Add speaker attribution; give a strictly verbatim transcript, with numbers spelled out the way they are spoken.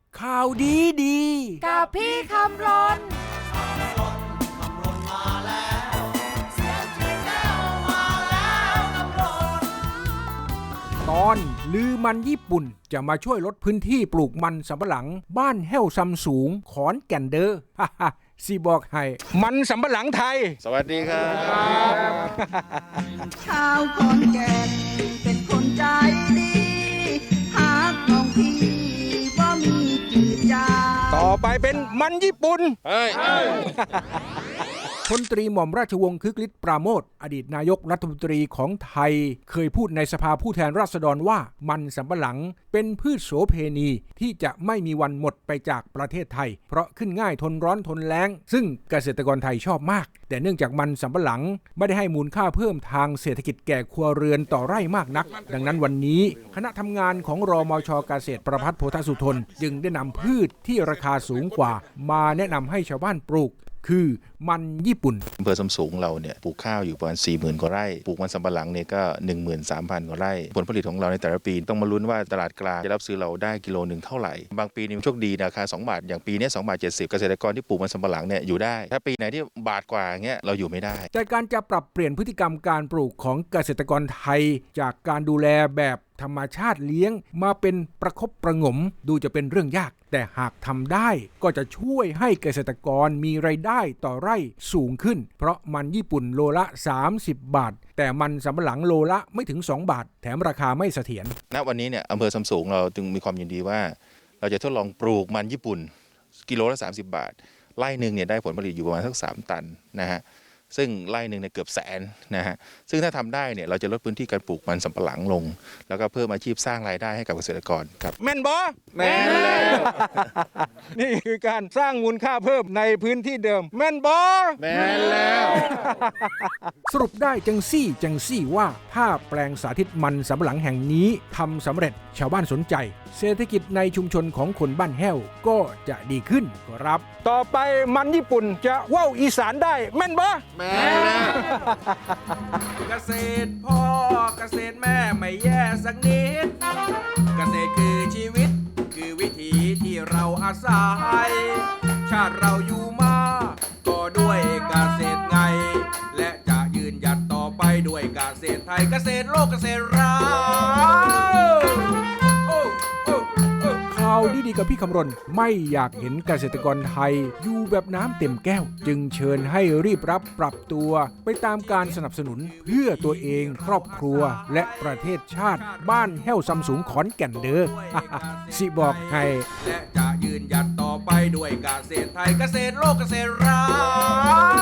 Speaker 1: ข่าวดีดี
Speaker 2: กับพี่คำรน
Speaker 1: ตอนลือมันญี่ปุ่นจะมาช่วยลดพื้นที่ปลูกมันสำปะหลังบ้านแห้วซำสูงขอนแก่นเด้อฮ่าฮ่าสิบอกให้มันสำปะหลังไทย
Speaker 3: สวัสดีครับ
Speaker 4: ชาวขอนแก่นเป็นคนใจดีหากน้องพี่ว่ามีจืดจาง
Speaker 1: ต่อไปเป็นมันญี่ปุ่น
Speaker 3: เฮ้ย
Speaker 1: พลตรีหม่อมราชวงศ์คึกฤทธิ์ปราโมทย์อดีตนายกรัฐมนตรีของไทยเคยพูดในสภาผู้แทนราษฎรว่ามันสำปะหลังเป็นพืชโสเพณีที่จะไม่มีวันหมดไปจากประเทศไทยเพราะขึ้นง่ายทนร้อนทนแล้งซึ่งเกษตรกรไทยชอบมากแต่เนื่องจากมันสำปะหลังไม่ได้ให้มูลค่าเพิ่มทางเศรษฐกิจแก่ครัวเรือนต่อไร่มากนักดังนั้นวันนี้คณะทำงานของรมช.เกษตรประภัสโพธสุทนจึงได้นำพืชที่ราคาสูงกว่ามาแนะนำให้ชาวบ้านปลูกคือมันญี่ปุ่น
Speaker 3: อำเภอซำสูงเราเนี่ยปลูกข้าวอยู่ประมาณ สี่หมื่น กว่าไร่ปลูกมันสำปะหลังเนี่ยก็ หนึ่งหมื่นสามพัน กว่าไร่ผลผลิตของเราในแต่ละปีต้องมาลุ้นว่าตลาดกลางจะรับซื้อเราได้กิโลหนึ่งเท่าไหร่บางปีนี่โชคดีราคาสองบาทอย่างปีนี้สองบาทเจ็ดสิบเกษตรกรที่ปลูกมันสำปะหลังเนี่ยอยู่ได้ถ้าปีไหนที่บาทกว่าเงี้ยเราอยู่ไม่ได้
Speaker 1: แต่การจะปรับเปลี่ยนพฤติกรรมการปลูกของเกษตรกรไทยจากการดูแลแบบธรรมชาติเลี้ยงมาเป็นประคบประหงมดูจะเป็นเรื่องยากแต่หากทำได้ก็จะช่วยให้เกษตรกรมีรายได้ต่อไร่สูงขึ้นเพราะมันญี่ปุ่นโลละสามสิบบาทแต่มันสำปะหลังโลละไม่ถึงสองบาทแถมราคาไม่เสถียร
Speaker 3: ณวันนี้เนี่ยอำเภอซำสูงเราจึงมีความยินดีว่าเราจะทดลองปลูกมันญี่ปุ่นกิโลละสามสิบบาทไร่นึงเนี่ยได้ผลผลิตอยู่ประมาณสักสามตันนะฮะซึ่งไร่หนึ่งเนี่ยเกือบแสนนะฮะซึ่งถ้าทำได้เนี่ยเราจะลดพื้นที่การปลูกมันสำปะหลังลงแล้วก็เพิ่มอาชีพสร้างรายได้ให้กับเกษตรกรครับ
Speaker 1: แม่นบอแม่นแล้วนี่คือการสร้างมูลค่าเพิ่มในพื้นที่เดิมแม่นบอ
Speaker 3: แม่นแล้ว
Speaker 1: สรุปได้จังซี่จังซี่ว่าถ้าแปลงสาธิตมันสำปะหลังแห่งนี้ทำสำเร็จชาวบ้านสนใจเศรษฐกิจในชุมชนของคนบ้านแห้วก็จะดีขึ้นครับต่อไปมันญี่ปุ่นจะว่าวอีสานได้แม่นบอ
Speaker 3: แม่แล้ว
Speaker 1: เกษตรพ่อเกษตรแม่ไม่แย่สักนิดเกษตรคือชีวิตคือวิถีที่เราอาศัยชาติเราอยู่มาก็ด้วยเกษตรไงและจะยืนหยัดต่อไปด้วยเกษตรไทยเกษตรโลกเกษตรเราข่าวดีๆกับพี่คำรณไม่อยากเห็นเกษตรกรไทยอยู่แบบน้ำเต็มแก้วจึงเชิญให้รีบรับปรับตัวไปตามการสนับสนุนเพื่อตัวเองครอบครัวและประเทศชาติบ้านแห้วซำสูงขอนแก่นเด้อ สิบอกให้และจะยืนหยัดต่อไปด้วยเกษตรไทยเกษตรโลกเกษตรเรา